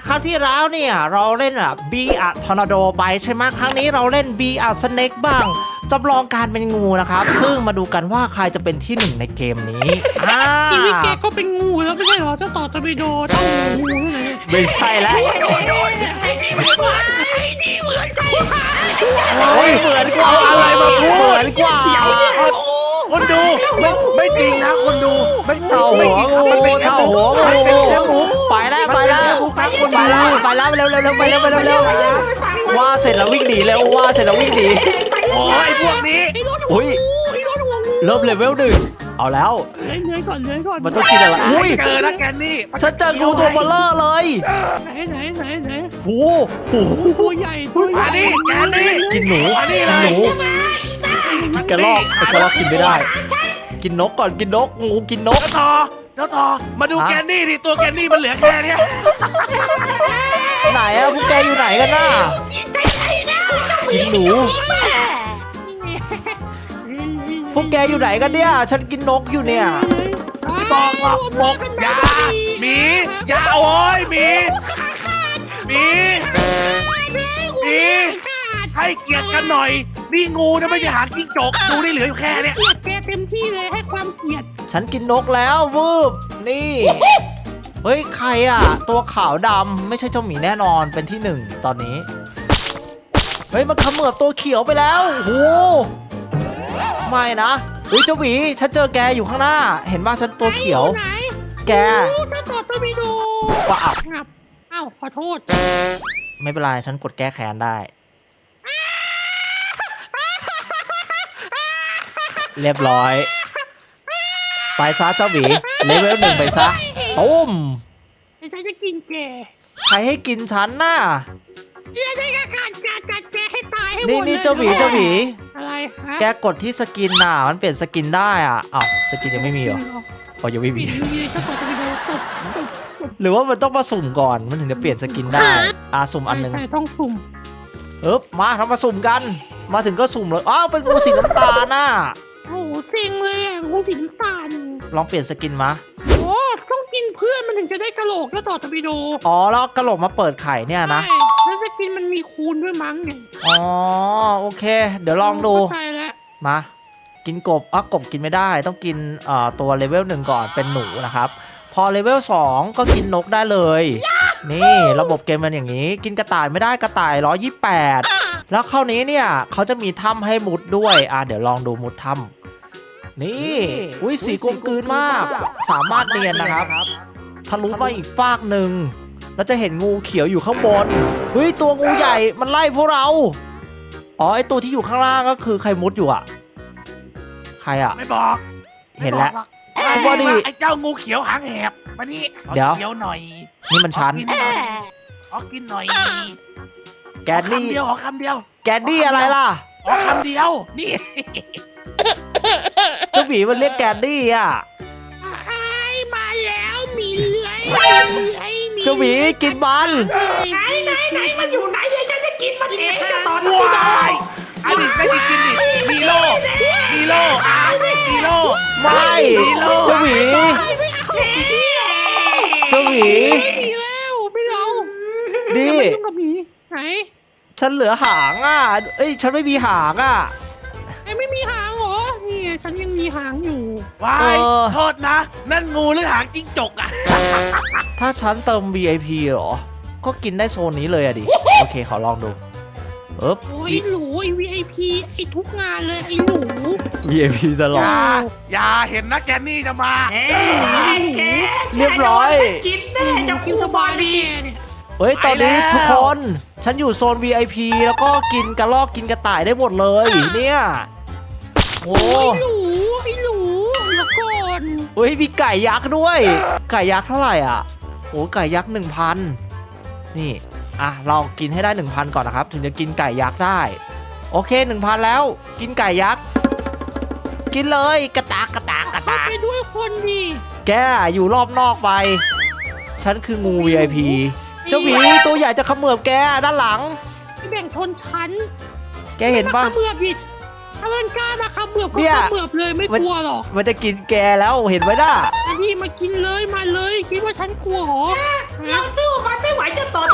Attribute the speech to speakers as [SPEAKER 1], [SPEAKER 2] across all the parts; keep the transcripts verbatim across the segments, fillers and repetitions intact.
[SPEAKER 1] ครั้งที่แล้วเนี่ยเราเล่นอ่ะบีอะทอร์นาโดไปใช่ไหมครั้งนี้เราเล่นบีอะสเน็กบ้างจำลองการเป็นงูนะครับซึ่งมาดูกันว่าใครจะเป็นที่หนึ่งในเกมนี้อ่า
[SPEAKER 2] ชีวิตแกก็เป็นงูแล้วไม่ใช่เหรอเจ้าต่อตะบิโดเจ้างูเลย
[SPEAKER 1] ไม่ใช่แล้ว
[SPEAKER 2] ไอ้นี่เหมือนไอ้นี่เหมือนใจ
[SPEAKER 1] เฮ้ยเหมือนกว่าอะไรมาพูดเหมือนกว่า
[SPEAKER 3] คนดูไม่ไม่จริงนะคนดูไม่
[SPEAKER 1] เท่าหัวงูเท่าหัวงูไปแล้วไปแล้วไปแล้วไปแล้วเร็วเร็วเร็วไปเร็วไปเร็วเร็วว่าเสร็จแล้ววิ่งหนีเร็วว่าเสร็จแล้ววิ่งหนี
[SPEAKER 3] โอ้ยพวกนี้
[SPEAKER 2] ไอ้รถ
[SPEAKER 1] อุ้ย
[SPEAKER 2] ไอ้รถหัวงู
[SPEAKER 1] เริ่มเลเวลหนึ่งเอาแล้ว
[SPEAKER 2] เลื้อยเลื้อยก่อนเลื้อยก่อน
[SPEAKER 1] มันต้องกินอะไรอุ้ย
[SPEAKER 3] เจอนะแกนี่
[SPEAKER 1] ฉันเจองูตัวเบลเลอร์เลย
[SPEAKER 2] ไหนไหนไหนไหน
[SPEAKER 1] โอ้โห
[SPEAKER 2] ตัวใหญ่ตัวใหญ่
[SPEAKER 3] มานี่แกนี่
[SPEAKER 1] กินหนู
[SPEAKER 3] มานี่เล
[SPEAKER 1] กิน
[SPEAKER 3] ย
[SPEAKER 1] หนูกระรอกกระรอกกินไม่ได้ กินนกก่อนกินนกงูกินนก
[SPEAKER 3] เจ้าต่อเจ้าต่อมาดูแกนี่ดิตัวแกนี่มันเหลือแค่เนี้ย
[SPEAKER 1] ไหนอะพวกแกอยู่ไหนกันน่ะกินหนูพวกแกอยู่ไหนกันเนี่ยฉันกินนกอยู่เนี่ย
[SPEAKER 3] บอกหรอกบอกอย่าหมีอย่าโอ้ยหมีหมีหมีให้เกียรติกันหน่อยนี่งูนะไม่ใช่หางจิ้งจกดูนี่เหลืออยู่แค่เนี้ย
[SPEAKER 2] เกลียดแกเต็มที่เลยให้ความเกลียด
[SPEAKER 1] ฉันกินนกแล้ววืบนี่เฮ้ยใครอะตัวขาวดำไม่ใช่เจ้าหมีแน่นอนเป็นที่หนึ่งตอนนี้เฮ้ยมันเขมือบตัวเขียวไปแล้วโอ้ไม่นะเฮ้ยเจ้าหมีฉันเจอแกอยู่ข้างหน้า เห็นว่าฉันตัวเขียว
[SPEAKER 2] ไหน
[SPEAKER 1] แก
[SPEAKER 2] เจ้าต่อตะบิโด
[SPEAKER 1] ว่าอับ
[SPEAKER 2] งับอ้าวขอโทษ
[SPEAKER 1] ไม่เป็นไรฉันกดแก้แค้นได้ เรียบร้อย ไปซะเจ้าหมีเลเวลหนึ่งไปซะตุ้ม
[SPEAKER 2] ไอ้ฉันจะกินแก
[SPEAKER 1] ใครให้กินฉันน่ะ
[SPEAKER 2] เดี๋ยวได้การจัดจัดแกให้ตายให้หมด
[SPEAKER 1] นี่
[SPEAKER 2] เลย
[SPEAKER 1] นี่เจ้าหมีเจ้าหมี
[SPEAKER 2] อะไรฮะ
[SPEAKER 1] แกกดที่สกินน่ะมันเปลี่ยนสกินได้อ่ะอ้าวสกินยังไม่มีเหรออ๋อยังไม่
[SPEAKER 2] มี
[SPEAKER 1] มี
[SPEAKER 2] มีเจ้าต่อตะบิโดตบตบตบ
[SPEAKER 1] หรือว่ามันต้องมาสุ่มก่อนมันถึงจะเปลี่ยนสกินได้อ่ะสุ่มอันหนึง
[SPEAKER 2] ใช่ต้องสุ่ม
[SPEAKER 1] เอ๊บมาทำมาสุ่มกัน มาถึงก็สุ่มเลยอ้าวเป็นงูสีน้ำตาลน่ะ
[SPEAKER 2] โอ้โหเซ็งเลยอ่ะงูสีน้ำตาล
[SPEAKER 1] ลองเปลี่ยนสกินมา
[SPEAKER 2] โอ้ต้องกินเพื่อนมันถึงจะได้กระโหลกแล้วต่อตะบิโด
[SPEAKER 1] อ๋อแล้วกระโหลกมาเปิดไข่เนี่ยนะ
[SPEAKER 2] ใช่แล้วสกินมันมีคูณด้วยมั้งไง
[SPEAKER 1] อ๋อโอเค เดี๋ยวลองดู
[SPEAKER 2] ใช่แล้ว
[SPEAKER 1] มา กินกบอ่ะกบกินไม่ได้ต้องกินเอ่อตัวเลเวลหนึ่งก่อนเป็นหนูนะครับพอเลเวลสองก็กินนกได้เลย นี่ระบบเกมมันอย่างนี้ กินกระต่ายไม่ได้กระต่ายหนึ่งร้อยยี่สิบแปดแล้วคราวนี้เนี่ยเขาจะมีถ้ำให้มุดด้วยอ่ะเดี๋ยวลองดูมุดถ้ำนี่อุ้ยสีกลมกลืนมาก สามารถเนียนนะครับทะลุมาอีกฟากหนึ่งแล้วจะเห็นงูเขียวอยู่ข้างบนเฮ้ยตัวงูใหญ่มันไล่พวกเราอ๋อไอตัวที่อยู่ข้างล่างก็คือใครมุดอยู่อ่ะใครอ่ะ
[SPEAKER 3] ไม่บอก
[SPEAKER 1] เห็นแล้ว
[SPEAKER 3] ไอ้
[SPEAKER 1] ว่าดิ
[SPEAKER 3] ไอ้เจ้างูเขียวหางแหบมานี่ขอ
[SPEAKER 1] เดี๋ยว
[SPEAKER 3] เขียวหน่อย
[SPEAKER 1] นี่มันชัน
[SPEAKER 3] ขอกินหน่อยขอกินหน่อย
[SPEAKER 1] แกน
[SPEAKER 3] ขอ
[SPEAKER 1] นี่
[SPEAKER 3] คำเดียวขอคำเดียว
[SPEAKER 1] แกนนี่อะไรล่ะ
[SPEAKER 3] ขอคำเดียวนี่
[SPEAKER 1] เจ้าหมีมันเรียกแกนนี่อ่ะ
[SPEAKER 2] ไอ้มาแล้วมีเลื้อยมีเลื้อยมี
[SPEAKER 1] เจ้าหมีกินมัน
[SPEAKER 2] ไหนไหนไหนมันอยู่ไหนเดี๋ยวฉันจะกินมันเองจะต่อ
[SPEAKER 3] ว้ายอันนี้ไม่ได้กินดิมีโลมีโลอ่ะมีโล
[SPEAKER 1] ไม่
[SPEAKER 3] มีโล
[SPEAKER 1] เจ้าหมี
[SPEAKER 2] ไม่เอา
[SPEAKER 1] เจ้าหมี
[SPEAKER 2] ไม่มีแล้วไม่เอา
[SPEAKER 1] ดิ
[SPEAKER 2] ไม่ต้องกับหมีไหน
[SPEAKER 1] ฉันเหลือหางอ่ะเอ้ยฉันไม่มีหางอ่ะ
[SPEAKER 2] ไอ้ไม่มีหางเหรอนี่ไงฉันยังมีหางอยู่
[SPEAKER 3] ว้า
[SPEAKER 1] เอย อ
[SPEAKER 3] โทษนะ นั่นงูหรือหางจิ้งจกอ่ะ
[SPEAKER 1] ถ้าฉันเติม วี ไอ พี เหรอ ก็กินได้โซนนี้เลยอะดิ โอเคขอลองดูเอ๊บ
[SPEAKER 2] โอ้ยหนูไอ้ วี ไอ พี ไอ้ทุกงานเลยไอ้หนู
[SPEAKER 1] วี ไอ พี ตลอ
[SPEAKER 3] อ
[SPEAKER 1] ด
[SPEAKER 3] ย่าอย่าเห็นนะแกนนี่จะมา
[SPEAKER 1] เรียบร้อย
[SPEAKER 2] กินแน่จะคิวสบายดีเนี่ย
[SPEAKER 1] เฮ้ย ตอนนี้
[SPEAKER 3] ไปแล้ว
[SPEAKER 1] ทุกคน ฉันอยู่โซน วี ไอ พี แล้วก็กินกระรอกกินกระต่ายได้หมดเลย เนี่ย โอ้
[SPEAKER 2] โอ้ยหนูไอ้หนูแล้วก่อน
[SPEAKER 1] เฮ้ย มีไก่ยักษ์ด้วย ไก่ยักษ์เท่าไหร่อ่ะ โอ้ไก่ยักษ์หนึ่งพันนี่ อ่ะ เรากินให้ได้หนึ่งพันก่อนนะครับ ถึงจะกินไก่ยักษ์ได้ โอเคหนึ่งพันแล้ว กินไก่ยักษ์ กินเลยกระตากกระตากกระ
[SPEAKER 2] เข้า
[SPEAKER 1] ตาก
[SPEAKER 2] ไปด้วยคนดิ
[SPEAKER 1] แกอยู่รอบนอกไป ฉันคืองู วี ไอ พี เจ้าหมีตัวใหญ่จะเขมือบแกด้านหลัง
[SPEAKER 2] แบ่งชนชั้น
[SPEAKER 1] แกเห็นปะ
[SPEAKER 2] มาขมือบดิถ้ามันกล้ามาขมือบก็
[SPEAKER 1] เนี่ย
[SPEAKER 2] ขมือบเลยไม่กลัวหรอก
[SPEAKER 1] มันจะกินแกแล้วเห็นไหมน่ะ
[SPEAKER 2] อันนี้มากินเลยมาเลยคิดว่าฉันกลัวเหรอ
[SPEAKER 4] เราสู้มันไม่ไหวจะต่อ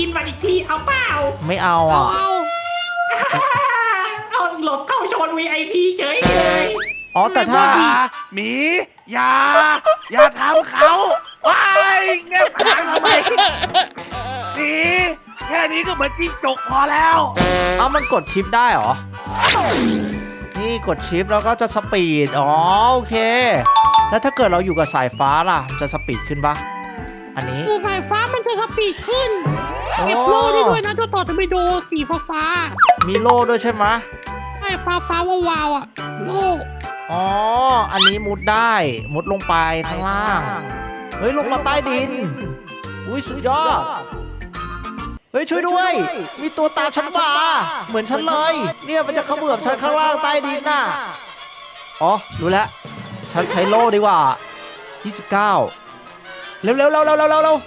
[SPEAKER 2] กินมันอีกทีเอาเปล่า
[SPEAKER 1] ไม่เอา
[SPEAKER 2] เอา
[SPEAKER 1] อ่ะ
[SPEAKER 2] เอาเอาหลบเข้าโซน วี ไอ พี เฉยเลย
[SPEAKER 1] อ๋อแต่ถ้า
[SPEAKER 3] อย่าหมีอย่าอย่าทำเขาว้ายเงี้ยหางทำไมหมีแค่นี้ก็เหมือนจิ้งจกพอแล้ว
[SPEAKER 1] เอามันกดชิปได้เหรอ นี่กดชิปแล้วก็จะสปีด อ๋อโอเค แล้วถ้าเกิดเราอยู่กับสายฟ้าล่ะมันจะสปีดขึ้นปะอันนี้
[SPEAKER 2] คือสายฟ้ามันจะสปีดขึ้นเก็บโล่ได้ด้วยนะเจ้าต่อจะไปโดสีฟ้าฟ้า
[SPEAKER 1] มีโล่ด้วยใช่ไหม
[SPEAKER 2] ๆไอ้ฟ้าฟ้าวาวๆอ่ะโล่
[SPEAKER 1] อ๋อ อันนี้มุดได้ มุดลงไปข้างล่าง เฮ้ย ลงมาใต้ดิน อุ้ยสุดยอด เฮ้ย ช่วยด้วย มีตัวตามฉันมา เหมือนฉันเลย เนี่ยมันจะเขมือบฉันข้างล่างใต้ดินน่ะ อ๋อ รู้แล้ว ฉันใช้โล่ดีกว่า ยี่สิบเก้า เร็วเร็วเร็วเร็วเร็วเร็วเร็ว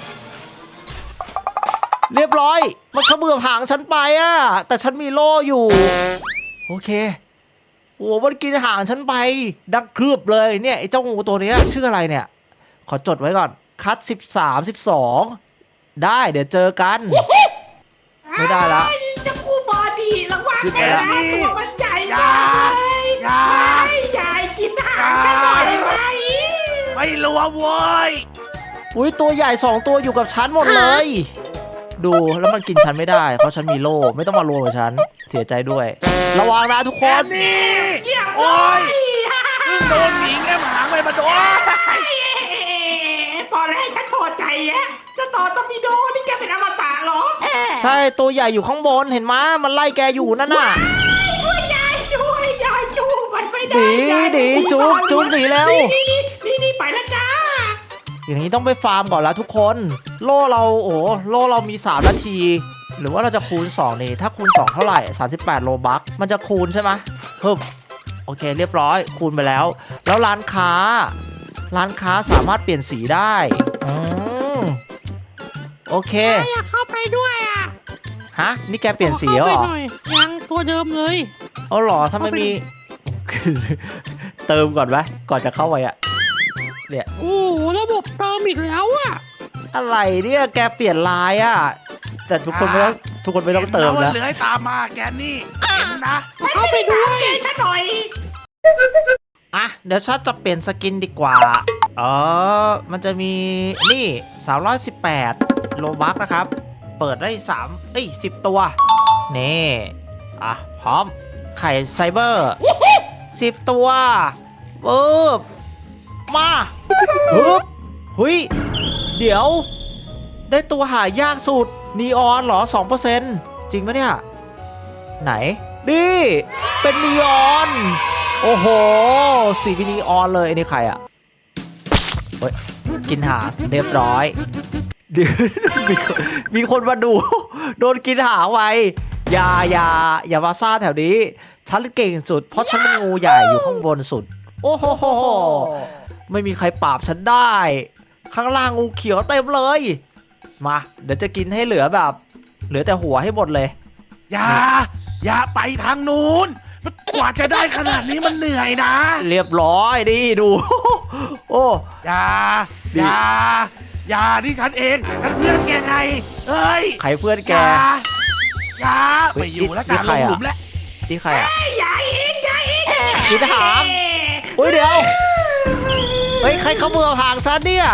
[SPEAKER 1] เรียบร้อย มันเขมือบหางฉันไปอ่ะ แต่ฉันมีโล่อยู่ โอเค โอ้มันกินหางฉันไปดักครืบเลยเนี่ยไอ้เจ้างูตัวเนี้ยชื่ออะไรเนี่ย ขอจดไว้ก่อน คัดสิบสามสิบสองได้เดี๋ยวเจอกัน ไม่ได้ละ
[SPEAKER 2] จะคู่บอดีระวัง
[SPEAKER 1] ขึ้นไป
[SPEAKER 2] นะ
[SPEAKER 1] ละ
[SPEAKER 2] ตัวมันใหญ่
[SPEAKER 3] อย่า
[SPEAKER 2] เลย
[SPEAKER 3] อย่า
[SPEAKER 2] ไม่ใหญ่กินหางแค่หน่อยไหม
[SPEAKER 3] ไม่รู้ว่าโว้ย
[SPEAKER 1] อุ้ยตัวใหญ่สองตัวอยู่กับฉันหมดเลย ดูแล้วมันกินฉันไม่ได้เพราะฉันมีโล่ไม่ต้องมารวมกับฉันเสียใจด้วย ระวังนะทุกค
[SPEAKER 3] แค่
[SPEAKER 1] น
[SPEAKER 3] นี้
[SPEAKER 2] เยี่ยม
[SPEAKER 3] โอ้ย
[SPEAKER 2] เล
[SPEAKER 3] เพิ่งโดนหมีแง่หางไปมาโดน
[SPEAKER 2] ตอนแรกฉันพอใจอะจะต่อต้องมีโดนี่แกเป็นอมตะเหรอ
[SPEAKER 1] ใช่ตัวใหญ่อยู่ข้างบนเห็นไหมมันไล่แกอยู่นั่นน่ะ
[SPEAKER 2] ช่วยยายช่วยยายจูบมันไม่ได้
[SPEAKER 1] หนี
[SPEAKER 2] ยาย
[SPEAKER 1] หนีจุ๊บจุ๊บหนีแล้ว
[SPEAKER 2] นี่นี่นี่นี่ไปแล้วจ้า
[SPEAKER 1] อย่างนี้ต้องไปฟาร์มก่อนแล้วทุกคน โล่เราโอ้โล่เรามีสามนาที หรือว่าเราจะคูณสองนี่ถ้าคูณสองเท่าไหร่สามสิบแปดโลบัคมันจะคูณใช่ไหมเพิ่มโอเคเรียบร้อยคูณไปแล้ว แล้วร้านค้า ร้านค้าสามารถเปลี่ยนสีได้อืมโอเค
[SPEAKER 2] อยากเข้าไปด้วยอ่ะ
[SPEAKER 1] ฮะนี่แกเปลี่ยนสีแล้วเหรอ
[SPEAKER 2] ยังตัวเดิมเลย
[SPEAKER 1] เอาเหรอถ้าไม่มี เติมก่อนไหมก่อนจะเข้าไปอะเนี่ย
[SPEAKER 2] โอ้โหระบบเติมอีกแล้วอ่ะ
[SPEAKER 1] อะไรเนี่ยแกเปลี่ยนลายอะแต่ทุกคนไม่ต้องทุกคนไม่ต้องเติม
[SPEAKER 3] ห็น
[SPEAKER 1] นะ
[SPEAKER 3] ว่าเหลือให้ตามมาแกนี่เห็นนะ
[SPEAKER 2] เข้าไปด้วยฉันหน่อย
[SPEAKER 1] อ่ะเดี๋ยวชัดจะเปลี่ยนสกินดีกว่าเออมันจะมีนี่สามร้อยสิบแปดโลบัคนะครับ เปิดได้สามเอ้ยสิบตัวนี่อ่ะพร้อมไข่ไซเบอร์สิบตัวปึ๊บมาปึ๊บหุยเดี๋ยวได้ตัวหายากสุดนีออนเหรอ สองเปอร์เซ็นต์ จริงปะเนี่ย ไหนนี่เป็นนีออนโอ้โหสีเป็นนีออนเลยไอ้นี่ใครอ่ะเฮ้ยกินหางเรียบร้อยเดี๋ยวมีคนมีคนมาดู โดนกินหางไว้อย่าอย่าอย่ามาซ่าแถวนี้ฉันเก่งสุดเพราะฉันเป็นงูใหญ่อยู่ข้างบนสุดโอ้โหไม่มีใครปราบฉันได้ ข้างล่างงูเขียวเต็มเลยมาเดี๋ยวจะกินให้เหลือแบบ เหลือแต่หัวให้หมดเลย
[SPEAKER 3] อย่าอย่าไปทางนู้นกว่าจะได้ขนาดนี้มันเหนื่อยนะ
[SPEAKER 1] เรียบร้อยดิดู โอ้
[SPEAKER 3] อย่าอย่าอย่าที่ฉันเองฉันเพื่อนแกไงเอ้ย
[SPEAKER 1] ใครเพื่อน
[SPEAKER 3] อ
[SPEAKER 1] แก
[SPEAKER 3] ย่าอย่า
[SPEAKER 1] เฮ้
[SPEAKER 3] ไป
[SPEAKER 1] ย
[SPEAKER 3] อยู่แล้ว
[SPEAKER 1] นี่
[SPEAKER 3] การ
[SPEAKER 1] ใค
[SPEAKER 3] ล
[SPEAKER 1] รง อะ
[SPEAKER 3] หลุมแล้ว
[SPEAKER 1] ที่ใครอ่ะ
[SPEAKER 2] ใหญ่อีกใหญ่อีก
[SPEAKER 1] กินหางอุ้ยเดี๋ยวเฮ้ยใครเขาเมือหางฉันเนี่ย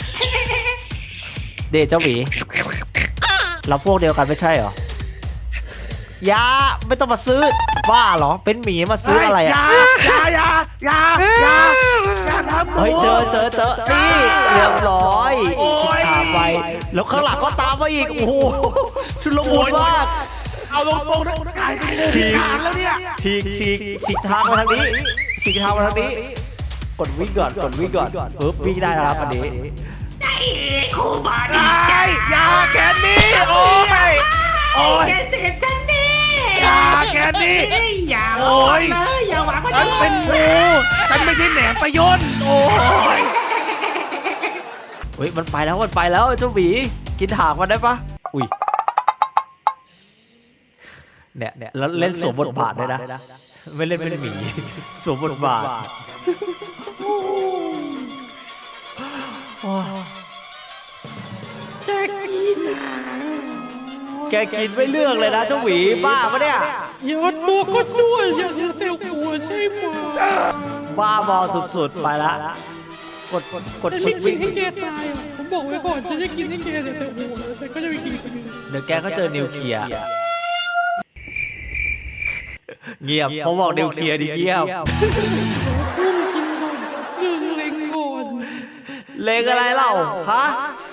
[SPEAKER 1] เดชเจ้าหมีเราพวกเดียวกันไม่ใช่เหรอ ยาไม่ต้องมาซื้อบ้าเหรอเป็นหมีมาซื้ออะไร
[SPEAKER 3] อย่า
[SPEAKER 1] อ่ะ
[SPEAKER 3] อย่าอย่าอย่าอย่าอย่าทำหนู
[SPEAKER 1] เฮ้ยเจอเจอเจอนี่เรียบร้อย
[SPEAKER 3] โอ้ย
[SPEAKER 1] ตามไปแล้วข้างหลังก็ตามมาอีกโอ้โหชุลมุนมาก
[SPEAKER 3] เอาตรงๆนะกลายเป็นงูพิการแล้วเนี่ย
[SPEAKER 1] ฉีกฉีกฉีกทางมาทางนี้ฉีกทางมาทางนี้กดวิ่งก่อนกดวิ่งก่อนปึ๊บวิ่งได้นะครับอันนี้
[SPEAKER 2] ไอ้คู่บอ
[SPEAKER 3] ไอ้
[SPEAKER 2] ดี้
[SPEAKER 3] อย่าแกนนี่โอ้ยโอ้ย
[SPEAKER 2] แกเสพฉันนี่
[SPEAKER 3] อย่าแกนี่
[SPEAKER 2] อย่า
[SPEAKER 3] โอ้ย
[SPEAKER 2] เลยอย่าหวังว่า
[SPEAKER 3] ฉันเป็นงูฉันไม่ใช่แหนมประยนต์โอ้ย
[SPEAKER 1] เฮ้ยมันไปแล้วมันไปแล้วเจ้าหมีกินหางมันได้ปะอุ้ยเนี่ยเนี่ยแล้วเล่นสวมบทบาทด้วยนะไม่เล่นเป็นหมีสวมบทบาทโอ้ย
[SPEAKER 2] จะกินหาง
[SPEAKER 1] แกกินไม่เลือกเลยนะเจ้าหวีบ้าปะเนี่ย
[SPEAKER 2] อย่าตัวก็ด้วยอย่าเหลือแต่หัวใช่ไหม
[SPEAKER 1] บ้าบอสุดๆไปละกดกดกด
[SPEAKER 2] ฉัน
[SPEAKER 1] ชิ
[SPEAKER 2] ไม่
[SPEAKER 1] ป
[SPEAKER 2] กิ
[SPEAKER 1] วิ่
[SPEAKER 2] น
[SPEAKER 1] ง
[SPEAKER 2] ให้แกตายอ่ะผมบอกไว้ก่อนฉันจะกินให้แกเหลือแต่หัวแต่ก็จะไปกินคนอื่น
[SPEAKER 1] เดี๋ยวแกก็เจอนิวเคลียร์เงียบเขาบอกนิวเคลียร์ดิเงียบ
[SPEAKER 2] พุ่งกินก่อนเรื่องเล็งก่อน
[SPEAKER 1] เลงอะไรเล่าฮะ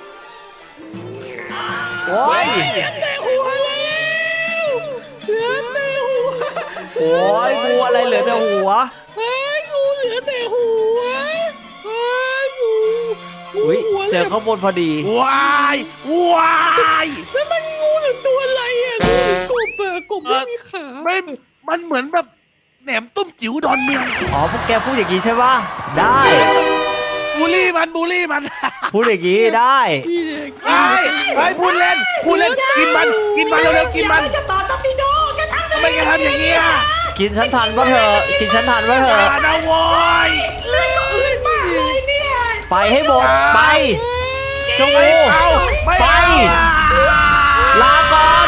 [SPEAKER 1] โอ้ย
[SPEAKER 2] เหลือแต่หัวแล้วเหลือแต่หัว
[SPEAKER 1] โอ้ยงูอะไรเหลือแต่หัว
[SPEAKER 2] เฮ้ยงูเหลือแต่หัวเฮ้ยงูงู
[SPEAKER 1] อุ้ย
[SPEAKER 2] หัว
[SPEAKER 1] เจอข้างบนพอดี
[SPEAKER 3] วายวาย
[SPEAKER 2] แล้วมันงูหรือตัวอะไรอ่ะงูหรือกบอ่ะกบไม่มีขา
[SPEAKER 3] ไม่มันเหมือนแบบแหนมตุ้มจิ๋วดอนเมือง
[SPEAKER 1] อ๋อพวกแกพูดอย่างนี้ใช่ปะได้
[SPEAKER 3] บูลลี่มันบูลลี่มัน
[SPEAKER 1] พูดอย่างนี้ได้
[SPEAKER 2] พี่เด็ก
[SPEAKER 3] ไอ้ไอ้พูดเล่นพูดเล่นกินมันกินมันเร็วๆกินมัน
[SPEAKER 2] จะต่อตอปิโดจะทำ
[SPEAKER 3] ทำไมแกทำอย่างนี้อ่ะ
[SPEAKER 1] กินฉันทันปะเถอะกินฉันทันปะเถ
[SPEAKER 3] อย่า
[SPEAKER 1] อะ
[SPEAKER 3] นะโว้ย
[SPEAKER 2] เรื่องก็อื่นมากเลยเนี่ย
[SPEAKER 1] ไปให้หมดไปเจ้า
[SPEAKER 3] ไม่
[SPEAKER 1] งู
[SPEAKER 3] เอาไม่
[SPEAKER 1] ไป
[SPEAKER 3] เอา
[SPEAKER 1] ลาก่อน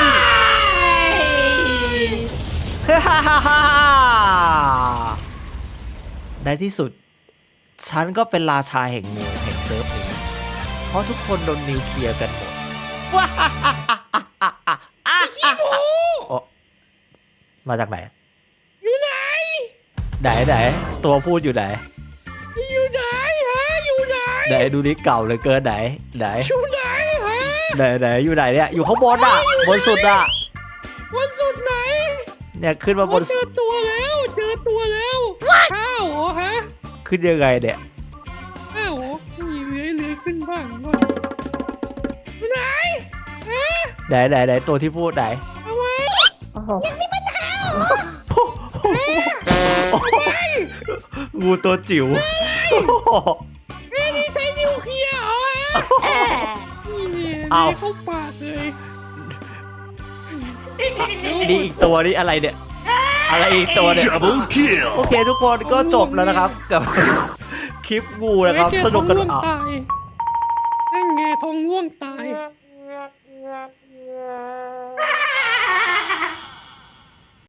[SPEAKER 1] ในที่สุด ฉันก็เป็นราชาแห่งงูแห่งเซิร์ฟนี้เพราะทุกคนโดนนิวเคลียร์กันหมดโอ้มาจากไหน
[SPEAKER 2] อยู่ไหน
[SPEAKER 1] ไหนไหนตัวพูดอยู่ไหน
[SPEAKER 2] อยู่ไหนฮะอยู่ไหน
[SPEAKER 1] ไหนดูนี่เก่าเหลยเกินไหนไหน
[SPEAKER 2] อยู่ไหนฮะ
[SPEAKER 1] ไหนไหนอยู่ไหนเนี่ยอยู่ข้างบนอ่ะบนสุดอ่ะ
[SPEAKER 2] วันสุดไหน
[SPEAKER 1] เนี่ยขึ้นมาบน
[SPEAKER 2] เจอตัวแล้วเจอตัวแล้วข้าวเหรอฮะ
[SPEAKER 1] ขึ้นยังไงเนี่ย
[SPEAKER 2] ข้าวเหรอมีเลื้อยเลื้อยขึ้นบ้างด้วยอยู่ไหนฮะ
[SPEAKER 1] ไหนไหนไหนตัวที่พูดไหน
[SPEAKER 2] เอาไว้
[SPEAKER 1] งูตัวจิ๋ว
[SPEAKER 2] เฮ้ยนี่ใช้นิวเคลียร์เหรอฮะนี่เนี่ย
[SPEAKER 1] เอา
[SPEAKER 2] เลื้อยเข้าปากเลย
[SPEAKER 1] นี่อีกตัวนี่อะไรเนี่ยอะไรอีกตัวเนี่ย
[SPEAKER 3] Double kill
[SPEAKER 1] โอเคทุกคนก็จบแล้วนะครับกับ คลิปงูนะครับ
[SPEAKER 2] เฮ้ย
[SPEAKER 1] สนุกกัน
[SPEAKER 2] แท้องร่วง
[SPEAKER 1] อ่ะ
[SPEAKER 2] ตายนั่นไงทองร่วงตาย